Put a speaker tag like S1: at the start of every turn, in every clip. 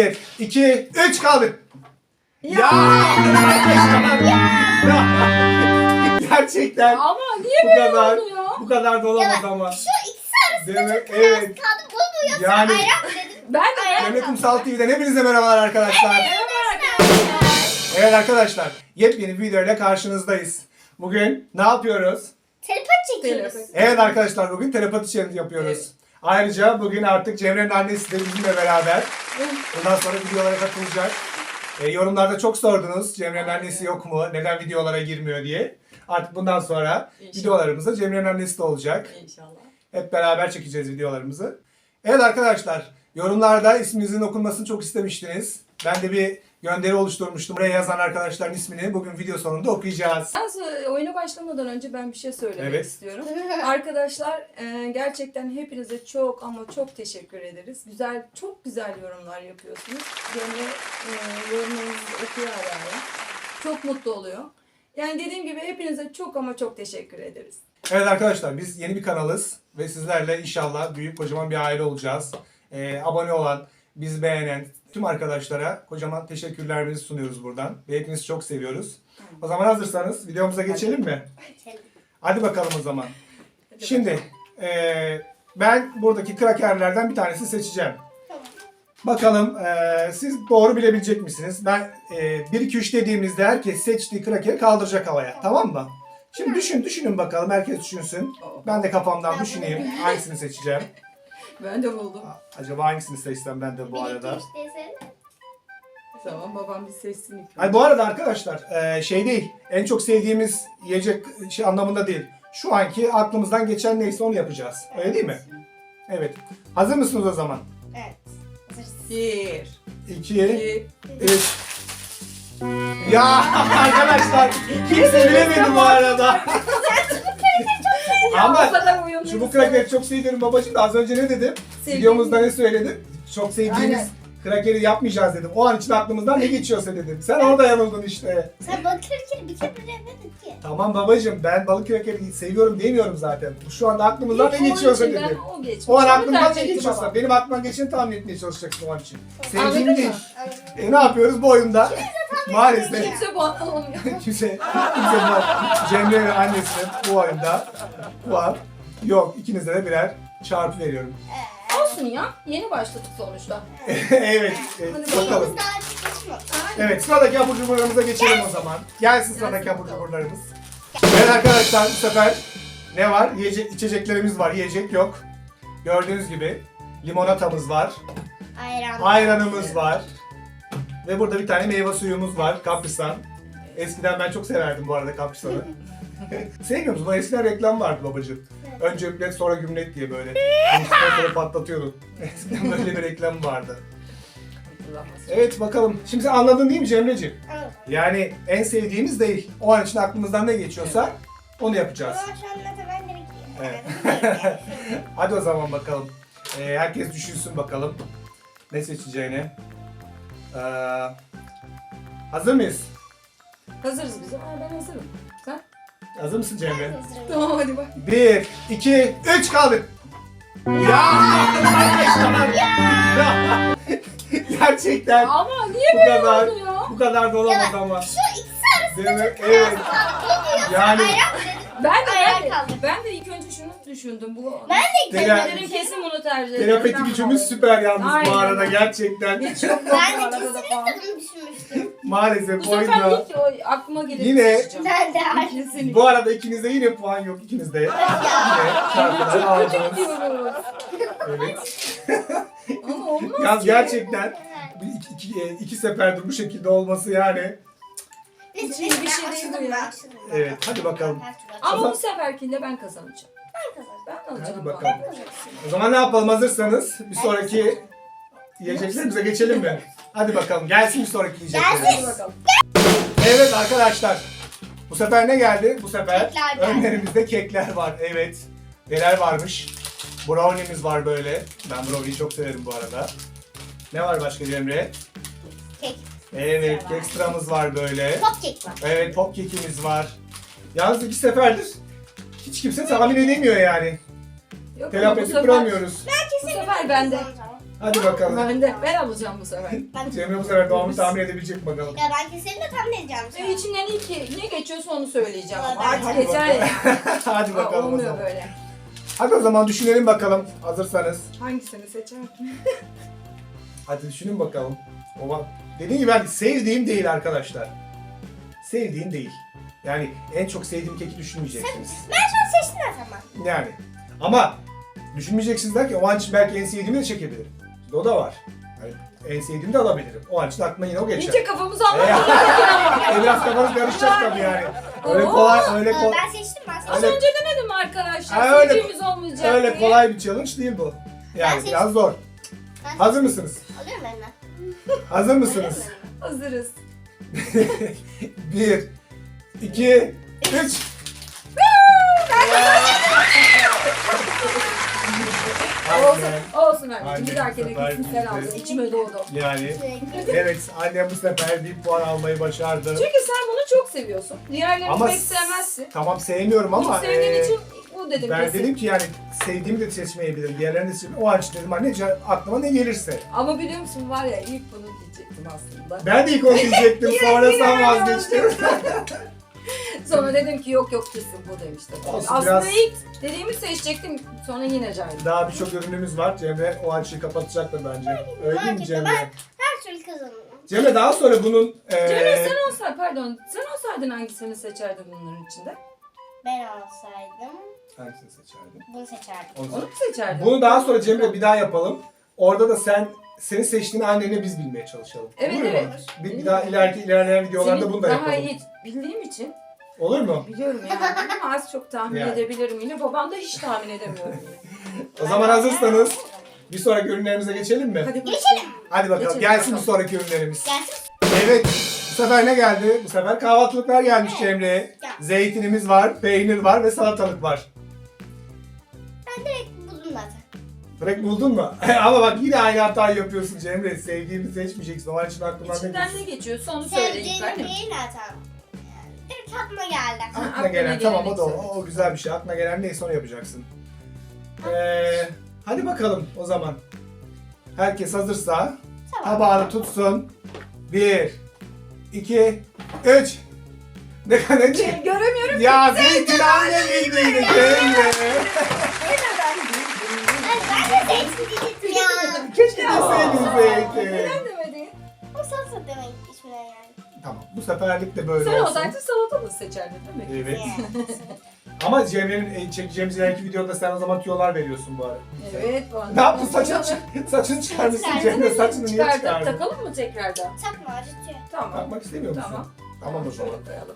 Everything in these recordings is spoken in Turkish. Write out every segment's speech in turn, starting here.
S1: 1, 2, 3 kaldı. Ya! Gerçekten
S2: Ama niye
S1: bu
S2: böyle
S1: kadar
S2: oldu ya?
S1: bu kadar da olamaz ama.
S3: Şu ikisi arasında
S1: Değil mi?
S3: çok kararsız
S1: Evet.
S3: kaldım. Bu mu yoksa
S1: Yani-
S3: ayran mı dedim.
S2: Ben de
S1: Cennet Kumsal TV'den hepinize merhabalar arkadaşlar. Evet arkadaşlar, yepyeni bir videoyla karşınızdayız. Bugün ne yapıyoruz?
S3: Telepati çekiyoruz.
S2: Telepati.
S1: Evet arkadaşlar, bugün telepati challenge yapıyoruz.
S2: Evet.
S1: Ayrıca bugün artık Cemre'nin annesi de bizimle beraber. Bundan sonra videolara katılacak. Yorumlarda çok sordunuz, Cemre'nin annesi yok mu, neden videolara girmiyor diye. Artık bundan sonra
S2: İnşallah.
S1: videolarımızda Cemre'nin annesi de olacak.
S2: İnşallah.
S1: Hep beraber çekeceğiz videolarımızı. Evet arkadaşlar, yorumlarda isminizin okunmasını çok istemiştiniz. Ben de bir gönderi oluşturmuştum. Buraya yazan arkadaşların ismini bugün video sonunda okuyacağız.
S2: Oyuna başlamadan önce ben bir şey söylemek
S1: Evet.
S2: istiyorum. Arkadaşlar gerçekten hepinize çok ama çok teşekkür ederiz. Çok güzel yorumlar yapıyorsunuz. Cemre yorumlarınızı okuyor ara. Çok mutlu oluyor. Yani dediğim gibi hepinize çok ama çok teşekkür ederiz.
S1: Evet arkadaşlar, biz yeni bir kanalız ve sizlerle inşallah büyük kocaman bir aile olacağız. Abone olan, bizi beğenen tüm arkadaşlara kocaman teşekkürlerimizi sunuyoruz buradan. Ve hepinizi çok seviyoruz. O zaman hazırsanız videomuza geçelim mi? Hadi bakalım o zaman. Şimdi ben buradaki krakerlerden bir tanesini seçeceğim. Bakalım siz doğru bilebilecek misiniz? Ben 1-2-3 dediğimizde herkes seçtiği krakeri kaldıracak havaya. Tamam mı? Şimdi düşünün bakalım. Herkes düşünsün. Ben de kafamdan düşüneyim. Hangisini seçeceğim?
S2: Ben de buldum.
S1: Acaba hangisini seçsem ben de bu arada?
S2: Tamam, babam bir seçsin ilk.
S1: Ay bu arada arkadaşlar şey değil. En çok sevdiğimiz yiyecek şey anlamında değil. Şu anki aklımızdan geçen neyse onu yapacağız. Öyle değil mi? Evet. Hazır mısınız o zaman?
S3: Evet.
S2: 1,
S1: 2,
S2: 2,
S1: 3. Ya arkadaşlar kimse bilemedi bu arada. Ama çubuk krakeri çok seviyorum babacığım da az önce ne dedim? Videomuzda ne söyledim? Çok sevdiğimiz
S2: Aynen.
S1: krakeri yapmayacağız dedim. O an için aklımızdan ne geçiyorsa dedim. Sen orada yanıldın işte.
S3: Sen balık krakeri bir kere bilemedin ki.
S1: Tamam babacığım, ben balık krakeri seviyorum demiyorum zaten. Şu anda aklımızdan ne geçiyorsa dedim.
S2: O geçmiş.
S1: O an
S2: Onu
S1: aklımdan
S2: tercih
S1: ne
S2: etti
S1: geçiyorsa.
S2: babam.
S1: Benim aklıma geçeni tahmin etmeye çalışacaksın o an için.
S2: Anladın
S1: Sevdiğim
S2: mı?
S1: değil. Ne yapıyoruz bu oyunda? Maalesef.
S2: Kimse puan alamıyor.
S1: kimse bu Cemre ve annesinin bu oyunda puan yok. İkinize de birer çarpı veriyorum.
S2: Olsun ya. Yeni başladık sonuçta.
S1: Evet. Bakalım.
S3: Biz daha açık geçmiyoruz.
S1: Evet, sıradaki abur cuburlarımıza geçelim o zaman. Gelsin sıradaki abur cuburlarımız. Evet arkadaşlar, bu sefer ne var? Yiyecek, içeceklerimiz var. Yiyecek yok. Gördüğünüz gibi limonatamız var. Ayranımız var. Ve burada bir tane meyve suyumuz var. Kaprisan. Eskiden ben çok severdim bu arada Kaprisan'ı. Sevmiyor musun? Eskiden reklam vardı babacığım. Önce üplet sonra gümlet diye böyle. Ondan sonra patlatıyordun. Eskiden böyle bir reklam vardı. Evet bakalım. Şimdi sen anladın değil mi Cemreciğim?
S3: Evet.
S1: Yani en sevdiğimiz değil. O an için aklımızdan ne geçiyorsa onu yapacağız.
S3: Ama şu anda da ben direkt
S1: Evet.
S3: yiyorum.
S1: Hadi o zaman bakalım. Herkes düşünsün bakalım ne seçeceğini. Hazır mıyız?
S2: Hazırız biz. Ben hazırım. Sen?
S1: Hazır mısın Cemre?
S2: Tamam hadi bak.
S1: 1, 2, 3 kaldı. Ya! Gerçekten
S2: Ama niye
S1: bu
S2: böyle
S1: kadar
S2: oldu ya?
S1: bu kadar da olamaz ama.
S3: Şu ikisi arasında
S1: Değil mi?
S3: çok
S1: Evet.
S3: kararsız kaldım. Bu mu yoksa
S1: Yani-
S3: ayran mı dedim.
S2: Ben de,
S3: kaldım.
S2: ben de ilk önce şunu düşündüm.
S3: Ben de
S1: Tele-
S2: Dedim kesin bunu tercih ederim.
S1: Terapeti
S2: Ben
S1: gücümüz
S2: bunu
S1: süper yalnız bu
S2: Aynen.
S1: arada gerçekten.
S2: Hiç yok.
S3: Ben de
S2: bu arada da
S3: kesinlikle
S2: falan.
S3: bunu düşünmüştüm.
S1: Maalesef
S2: Bu
S1: bu
S2: sefer
S1: oyunda.
S2: ilk o aklıma gelip
S1: Yine-
S2: seçeceğim.
S3: Ben de
S2: Kesinlikle.
S1: Bu arada ikinizde yine puan yok ikinizde. Yine çarpıcı aldınız.
S2: Diyoruz.
S1: Evet.
S2: Ama olmaz
S1: Yalnız
S2: ki.
S1: gerçekten iki seferdir bu şekilde olması yani.
S3: Biz
S2: Hiç iyi bir şey değil bu ya.
S1: Evet, hadi bakalım.
S2: Ama bu seferkinde ben kazanacağım.
S3: Ben kazandım.
S2: Ben alacağım.
S1: Hadi
S2: bu
S1: bakalım.
S2: arada.
S1: O zaman ne yapalım hazırsanız bir sonraki yiyeceklerimize geçelim mi? Hadi bakalım gelsin bir sonraki
S2: Hadi
S1: yiyeceklerimiz.
S2: bakalım.
S1: Evet arkadaşlar. Bu sefer ne geldi? Bu sefer
S3: Kekler geldi.
S1: önlerimizde kekler var. Evet. Neler varmış? Brownie'miz var böyle. Ben brownie'yi çok severim bu arada. Ne var başka Cemre?
S3: Kek.
S1: Evet, kek sıramız var böyle.
S3: Pop kek var.
S1: Evet, pop kekimiz var. Yalnız iki seferdir hiç kimse tahmin edemiyor yani.
S2: Yok, ama bu
S1: Telafi edip
S2: sefer-
S1: kuramıyoruz.
S3: Ben kesinlikle
S2: sefer bende.
S3: kazanacağım.
S1: Hadi bakalım.
S2: Ben alacağım bu sefer.
S1: Cemre bu sefer doğumunu tahmin edebilecek mi bakalım.
S3: Ya ben kesinlikle tahmin edeceğim.
S2: İçinden ne geçiyorsa onu söyleyeceğim.
S3: Vallahi
S2: Artık
S3: ben-
S2: yeter ya.
S1: Hadi
S2: Aa,
S1: bakalım o
S2: olmuyor
S1: zaman.
S2: böyle.
S1: Hadi o zaman düşünelim bakalım. Hazırsanız.
S2: Hangisini seçerdin?
S1: Hadi düşünün bakalım. Dediğim gibi ben sevdiğim değil arkadaşlar. Sevdiğim değil. Yani en çok sevdiğim keki düşünmeyeceksiniz.
S3: Ben şu an seçtim o zaman.
S1: Yani. Ama düşünmeyeceksiniz derken o an için belki en sevdiğimi de çekebilirim. Şimdi o da var. Yani en sevdiğimi de alabilirim. O an için aklıma yine o geçer.
S2: İyice kafamızı anlatıyoruz.
S1: Biraz kafanız karışacak tabii yani. Öyle
S2: Oo.
S1: kolay, öyle kolay.
S3: Ben seçtim ben seçtim.
S2: Az önce demedim mi arkadaşlar?
S1: Ha, öyle-
S2: Sevdiğimiz olmayacak
S1: Öyle
S2: diye.
S1: kolay bir challenge değil bu. Yani
S3: Ben
S1: biraz zor.
S3: Ben
S1: Hazır mısınız?
S3: Alıyorum eline.
S1: Hazır mısınız?
S2: Hazırız.
S1: 1, 2, 3.
S2: Olsun
S1: Aynen,
S2: anneciğim. Bir dahakine
S1: bu sefer
S2: gitsin sen
S1: biz de-
S2: aldın. İçime doğdu.
S1: Yani
S3: Sürekli.
S1: evet annem bu sefer bir puan almayı başardı.
S2: Çünkü sen bunu çok seviyorsun. Diğerlerini
S1: Ama
S2: pek sevmezsin.
S1: Tamam sevmiyorum ama
S2: Çok sevdiğin için bu dedim
S1: ben
S2: kesin.
S1: dedim ki yani sevdiğimi de seçmeyebilirim. Diğerlerini de seçmeyebilirim. O an için dedim anne aklıma ne gelirse.
S2: Ama biliyor musun var ya ilk bunu diyecektim aslında.
S1: Ben de ilk onu diyecektim sonra sen vazgeçtin.
S2: Sonra dedim ki yok kesin bu demiştim.
S1: Olsun,
S2: Aslında
S1: biraz-
S2: ilk dediğimi seçecektim sonra yine caydım.
S1: Daha birçok ürünümüz var. Cemre o açıyı kapatacaktır bence. Öyle değil mi
S3: Merak
S1: Cemre?
S3: etme, Her türlü kazanırım.
S1: Cemre daha sonra bunun
S2: Cemre sen olsaydın hangisini seçerdin bunların içinde?
S3: Ben olsaydım
S1: hangisini seçerdin?
S3: bunu seçerdim.
S1: Onu
S2: Onu mu seçerdin?
S1: Bunu daha sonra Cemre bir daha yapalım. Orada da senin seçtiğin anneni biz bilmeye çalışalım.
S2: Evet,
S1: Olur mu?
S2: evet.
S1: Bir daha ilerleyen videolarda
S2: Senin
S1: bunu da
S2: daha
S1: yapalım.
S2: iyi bildiğim için
S1: Olur mu?
S2: biliyorum yani ama az çok tahmin
S1: Yani.
S2: edebilirim yine. Babam da hiç tahmin edemiyorum yine.
S1: O zaman hazırsanız bir sonraki ürünlerimize geçelim mi?
S2: Hadi
S3: Geçelim.
S1: Hadi bakalım.
S2: Geçelim
S1: Gelsin
S2: bakalım.
S1: bir sonraki ürünlerimiz.
S3: Gelsin.
S1: Evet. Bu sefer ne geldi? Bu sefer kahvaltılıklar gelmiş Cemre'ye.
S3: Gel.
S1: Zeytinimiz var, peynir var ve salatalık var.
S3: Ben direkt buldum zaten.
S1: Direkt buldun mu? Ama bak yine aynı hatayı yapıyorsun Cemre. Sevdiğimi seçmeyeceksin. O için aklımdan ne
S2: İçinden
S1: geçiyor?
S2: ne geçiyorsa onu söyle ilk
S3: Sevdiğim
S2: annem.
S3: değil zaten. Yani direkt aklıma geldi.
S1: Aklına
S2: Aklına
S1: gelen tamam o da
S2: geleni
S1: o güzel bir şey. Aklına gelen neyse onu yapacaksın. Hadi bakalım o zaman. Herkes hazırsa
S3: Tamam.
S1: tabağını tutsun. 1, 2, 3. Ne kadar
S2: Göremiyorum.
S1: Ya zeytin anne bildiğini Cemre.
S3: Ben de zeytin diyecektim ya.
S1: Keşke deseydin zeytin.
S2: Neden demedin?
S3: O salsa demek içimden yani.
S1: Tamam bu seferlik de böyle
S2: Sen
S1: olsun.
S2: olsaydın salatalık seçerdin değil mi?
S1: Evet.
S3: Yani.
S1: Ama Cemre'nin çekeceğimiz ileriki videoda sen o zaman tüyolar veriyorsun bu ara.
S2: Evet. bu
S1: Ne yaptın
S2: anlamda.
S1: saçını çıkarmışsın
S3: Çıkardım.
S1: Cemre saçını niye
S2: Çıkardık.
S1: çıkardın?
S2: Takalım mı tekrardan?
S3: Takma acıtıyor.
S2: Tamam.
S1: Takmak istemiyor musun?
S2: Tamam.
S1: Tamam o zaman.
S2: Şöyle koyalım.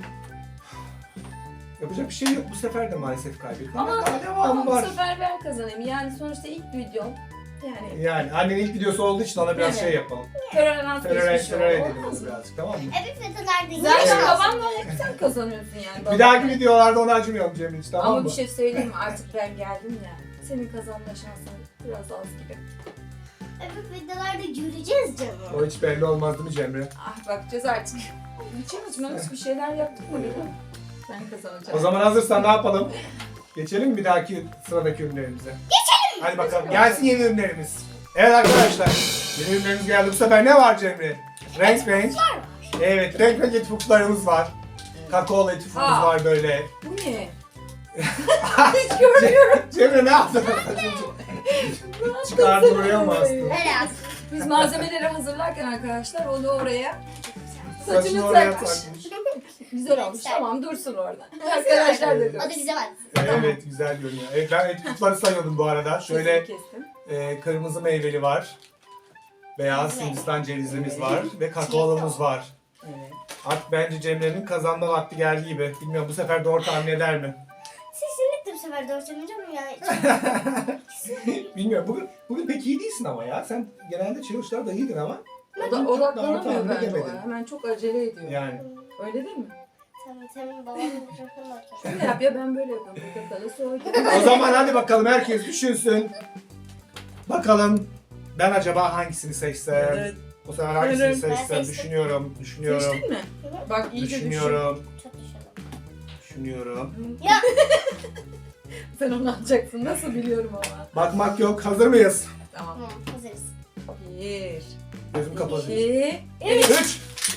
S1: Yapacak bir şey yok bu sefer de maalesef kaybettim.
S2: Ama,
S1: Daha
S2: ama
S1: devamı
S2: bu
S1: var.
S2: sefer ben kazanayım. Yani sonuçta ilk videom. Yani
S1: Yani annenin ilk videosu olduğu için ona biraz
S2: Evet.
S1: şey yapalım.
S2: tolerans
S1: Terör
S2: geçmiş
S1: edelim
S2: oldu.
S1: onu
S2: Olmaz mı?
S1: birazcık tamam mı?
S3: Evet videolarda yine
S2: Zaten
S3: şans.
S2: babamla hep sen kazanıyorsun yani.
S1: Bir dahaki videolarda onu acımayalım Cemre hiç tamam
S2: Ama
S1: mı?
S2: bir şey söyleyeyim mi? Artık ben geldim ya. Senin kazanma şansın biraz az gibi.
S3: Evet videolarda göreceğiz canım.
S1: O hiç belli olmaz değil mi Cemre?
S2: Ah bakacağız artık. İçim açmamış bir şeyler yaptık mı bilmiyorum. Ben kazanacağım.
S1: O zaman hazırsan ne yapalım? Geçelim mi bir dahaki sıradaki ürünlerimize? Geçelim! Hadi bakalım gelsin yeni ürünlerimiz. Evet arkadaşlar yeni ürünlerimiz geldi. Bu sefer ne var Cemre? Renk renk. Evet renk renk etifuklarımız var. Kakaolu etifukumuz
S2: Aa.
S1: var böyle.
S2: Bu ne? Hiç görmüyorum.
S1: Cemre ne yaptın? Çıkardın oraya mı bastın?
S3: Öyle yap.
S2: Biz malzemeleri hazırlarken arkadaşlar onu oraya
S1: Saçını
S2: saçını
S1: oraya
S2: takmış.
S1: takmış.
S2: Güzel olmuş.
S3: Güzel.
S2: Tamam dursun orada. Arkadaşlar da
S3: O da
S2: görsün.
S3: bize bak.
S1: Evet güzel görünüyor. Evet ben etifukları sayıyordum bu arada. Şöyle
S2: Kestim.
S1: kırmızı meyveli var. Beyaz
S3: Evet.
S1: Hindistan cevizimiz var ve kakaolumuz var.
S2: Evet.
S1: Artık bence Cemre'nin kazanma vakti geldi gibi. Bilmiyorum bu sefer doğru tahmin eder mi?
S3: Kesinlikle bu sefer doğru söyleyeceğim yani.
S1: Bilmiyorum. Bugün pek iyi değilsin ama ya. Sen genelde challenge'larda iyiydin ama.
S2: O da
S1: Doğru
S2: odaklanamıyor
S1: tahmin
S2: bence o.
S1: edemedin.
S2: Hemen çok acele ediyor.
S1: Yani.
S2: Öyle değil mi?
S3: Tamam babamın mikrofonu bakıyor.
S2: Şöyle yap ya ben böyle yapıyorum. Burada da soğuk.
S1: O zaman hadi bakalım herkes düşünsün. Bakalım ben acaba hangisini seçsem?
S2: Evet.
S1: Bu sefer hangisini
S2: Evet.
S3: Ben
S1: seçsem?
S3: seçtim.
S1: Düşünüyorum.
S2: Seçtin mi? Bak iyice düşün.
S1: Düşünüyorum.
S3: Çok düşündüm.
S1: Düşünüyorum.
S3: Ya
S2: Sen onu alacaksın. Nasıl biliyorum ama.
S1: Bakmak yok. Hazır mıyız?
S2: Tamam.
S3: Tamam hazırız.
S2: 1,
S1: Gözüm kapalı.
S2: 2,
S1: 3.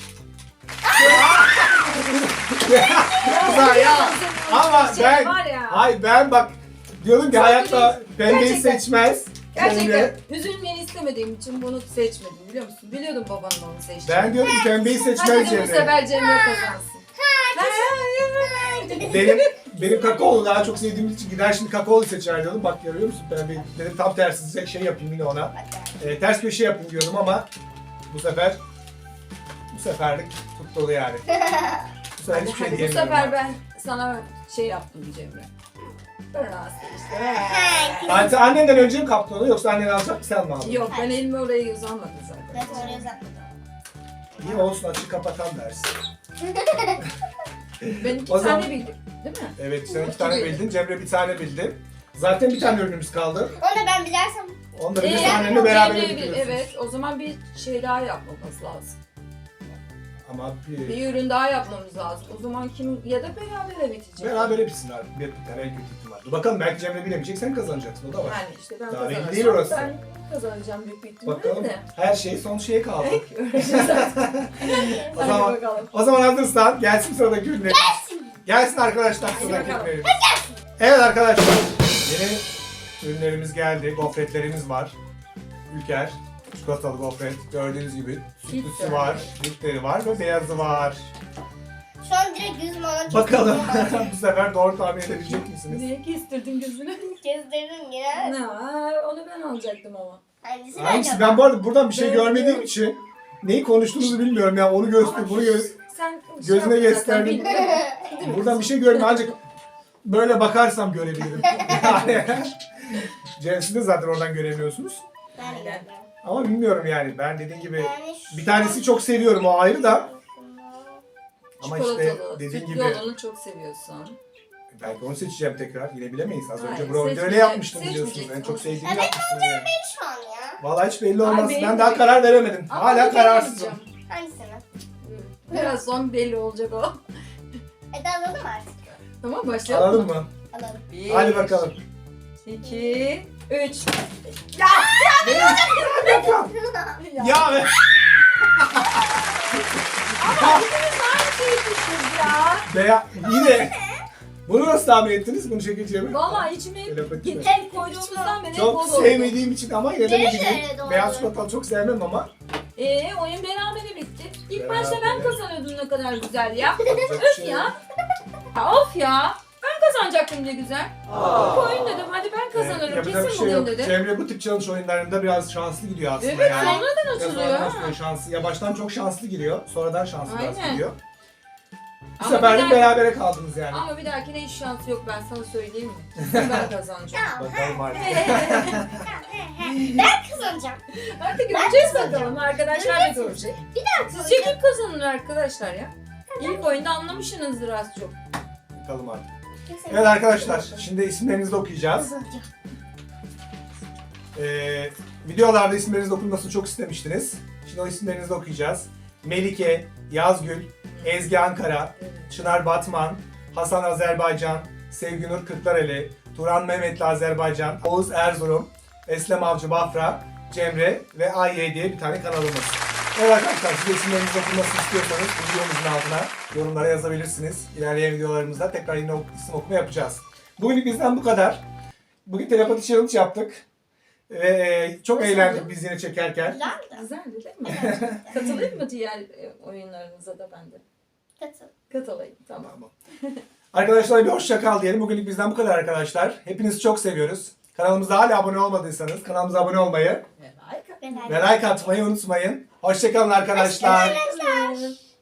S1: Güzel ya. Ama ben,
S2: var ya.
S1: hayır ben bak diyordum ki
S2: Çok
S1: hayatta pembeyi
S2: Gerçekten.
S1: seçmez.
S2: Gerçekten
S1: Cemre.
S2: üzülmeni istemediğim için bunu seçmedim biliyor musun? Biliyordum babanın onu seçtiğini.
S1: Ben diyordum ki pembeyi
S2: Hadi
S1: seçmez
S2: bu
S1: Cemre.
S2: sefer Cemre kazansın.
S1: Benim kakaolu daha çok sevdiğim için gider şimdi kakaolu seçer diyordum. Bak görüyor musun pembeyi? Dedim tam tersi şey yapayım yine ona. Ters köşe yapayım diyordum ama bu seferlik tuttu yani. Bu sefer hiçbir şey
S2: Hadi bu
S1: diyemiyorum.
S2: sefer
S1: bak.
S2: ben sana şey yaptım Cemre. Ben rahatsız işte.
S1: Anne, annenden önce mi kaptın onu yoksa annen alacak mı sen mi aldın?
S2: Yok ben elimi oraya uzanmadım zaten.
S3: Evet oraya uzatmadım.
S1: İyi olsun açık kapatan dersin.
S2: Ben iki
S1: O zaman-
S2: tane bildim değil mi?
S1: Evet sen 2 tane bildin, Cemre bir tane bildi. Zaten bir tane ürünümüz kaldı.
S3: Onu da ben bilersem.
S1: Onu da bir
S2: Ee,
S1: annenle beraber
S2: Cemre'ye
S1: bitiriyorsunuz.
S2: Evet o zaman bir şey daha yapmamız lazım.
S1: Ama
S2: Bir ürün daha yapmamız lazım. O zaman kim ya da berabere bitecek.
S1: berabere bitsin abi. Bir tane en kötü ihtimal. Dur bakalım belki Cemre bilemeyecek sen kazanacaksın o da var.
S2: Yani işte ben
S1: Daha belli
S2: kazanırsam
S1: değil orası.
S2: ben kazanacağım büyük bir ihtimalle
S1: Bakalım
S2: de.
S1: her şey son şeye kaldı.
S2: Göreceğiz artık.
S1: O
S2: Hadi
S1: zaman,
S2: bakalım.
S1: o zaman hazırsan gelsin sıradaki ürünlerimiz. Gelsin arkadaşlar
S2: Hadi
S1: sıradaki
S2: bakalım.
S1: ürünlerimiz. Evet arkadaşlar yeni ürünlerimiz geldi. Gofretlerimiz var. Ülker çikolatalı gofret gördüğünüz gibi. Sütlüsü
S2: Bitter.
S1: var, bitteri var ve beyazı var.
S3: Şu an direkt gözüm ona kestirdim.
S1: Bakalım bu sefer doğru tahmin edebilecek misiniz?
S2: Niye kestirdin gözünü?
S3: Kestirdim ya.
S2: Ne? Onu ben alacaktım ama.
S3: Hangisi
S1: Hangisi? Ben bu arada buradan bir şey
S2: Evet,
S1: görmediğim
S2: evet.
S1: için neyi konuştuğunuzu bilmiyorum ya. Onu göster, bunu
S2: Sen
S1: Gözüne
S2: yaptın zaten,
S1: gösterdin.
S2: bilmiyorum. Değil mi?
S1: buradan bir şey görmüyorum ancak böyle bakarsam görebilirim. Yani Cems'i de zaten oradan göremiyorsunuz.
S3: Ben de görmüyorum.
S1: Ama bilmiyorum yani. Ben dediğim gibi
S3: Yani
S1: bir tanesi çok seviyorum o ayrı da. Ama işte
S2: Çikolatalı,
S1: dediğin
S2: sütlü
S1: gibi
S2: olanı çok seviyorsun.
S1: belki onu seçeceğim tekrar. Yine bilemeyiz. Az önce
S2: Hayır,
S1: Brown'da öyle
S2: seçmeyecek-
S1: yapmıştım biliyorsunuz. En
S2: seçmeyeceksin.
S1: çok sevdiğimi
S3: Evet,
S1: yapmıştım yani.
S3: şu an ya.
S1: Vallahi hiç belli olmaz.
S2: Ay,
S1: Ben
S2: benim
S1: daha
S2: de-
S1: karar veremedim.
S2: Ama
S1: Hala
S2: onu
S1: kararsızım.
S2: bilemeyeceğim.
S3: Hangisini?
S2: Biraz son belli olacak o.
S3: Eda alalım artık.
S2: Tamam başlayalım
S1: Alalım
S2: mı?
S1: mı?
S3: Alalım.
S2: Bir,
S1: Hadi bakalım.
S2: 2, 3.
S1: Ya be.
S2: Aynı şeyi tuttuk ya.
S1: Veya yine. Bunu nasıl tahmin ettiniz? Bunu çekeceğimi.
S2: Vallahi içime
S1: Telepati mi?
S2: hep koyduğumuzdan beri
S1: Çok
S2: bol oldu.
S1: sevmediğim için ama yine de
S3: Nereye
S1: ne bileyim.
S3: doğru?
S1: Beyaz çikolatalı çok sevmem ama.
S2: Oyun berabere bitti. İlk başta ben
S1: Berabere.
S2: kazanıyordum ne kadar güzel ya.
S1: Yapacak bir şey yok.
S2: Ya. Ya of ya. Ben kazanacaktım ne güzel. Bu oyun dedim hadi ben kazanırım
S1: Yapacak bir
S2: kesin
S1: şey
S2: bugün
S1: yok.
S2: dedim.
S1: Cemre bu tip challenge oyunlarında biraz şanslı gidiyor aslında
S2: Evet
S1: yani.
S2: sonradan
S1: Biraz
S2: açılıyor.
S1: sonradan
S2: ha.
S1: sonra şanslı. Ya baştan çok şanslı giriyor. Sonradan şanslı biraz
S2: Aynen.
S1: gidiyor. Bu
S2: Ama
S1: sefer
S2: bir
S1: de
S2: daha-
S1: berabere kaldınız yani.
S2: Ama bir dahakine hiç şansı yok ben sana söyleyeyim mi? Kesin ben kazanacağım.
S1: Bakalım artık.
S3: Ben kazanacağım.
S2: Hadi göreceğiz bakalım arkadaşlar da görecek.
S3: Bir daha
S2: Sizce kim kazanır arkadaşlar ya? İlk oyunda anlamışsınızdır az çok.
S1: Bakalım artık. Evet arkadaşlar, şimdi isimlerinizi de okuyacağız. Videolarda isimlerinizi okunmasını çok istemiştiniz. Şimdi o isimlerinizi de okuyacağız. Melike, Yazgül, Ezgi Ankara, Çınar Batman, Hasan Azerbaycan, Sevginur Kırklareli, Turan Mehmetli Azerbaycan, Oğuz Erzurum, Eslem Avcı Bafra, Cemre ve AY diye bir tane kanalımız. Evet arkadaşlar, siz de isimlerinizi okunmasını istiyorsanız bu videomuzun altına yorumlara yazabilirsiniz. İlerleyen videolarımızda tekrar yine isim okuma yapacağız. Bugünlük bizden bu kadar. Bugün telepati challenge yaptık. Ve çok
S2: Nasıl
S1: eğlendik
S2: oldu?
S1: biz yine çekerken.
S3: Güzeldi.
S2: Güzeldi değil mi? Katılayım mı diğer oyunlarınıza da ben de?
S3: Katıl.
S2: Katılayım tamam.
S1: Tamam. Arkadaşlar bir hoşça kal diyelim. Bugünlük bizden bu kadar arkadaşlar. Hepinizi çok seviyoruz. Kanalımıza hala abone olmadıysanız kanalımıza abone olmayı
S2: Ve like
S3: Ben
S1: ve like atmayı unutmayın. Hoşça kalın arkadaşlar.
S3: Arkadaşlar.
S2: atın.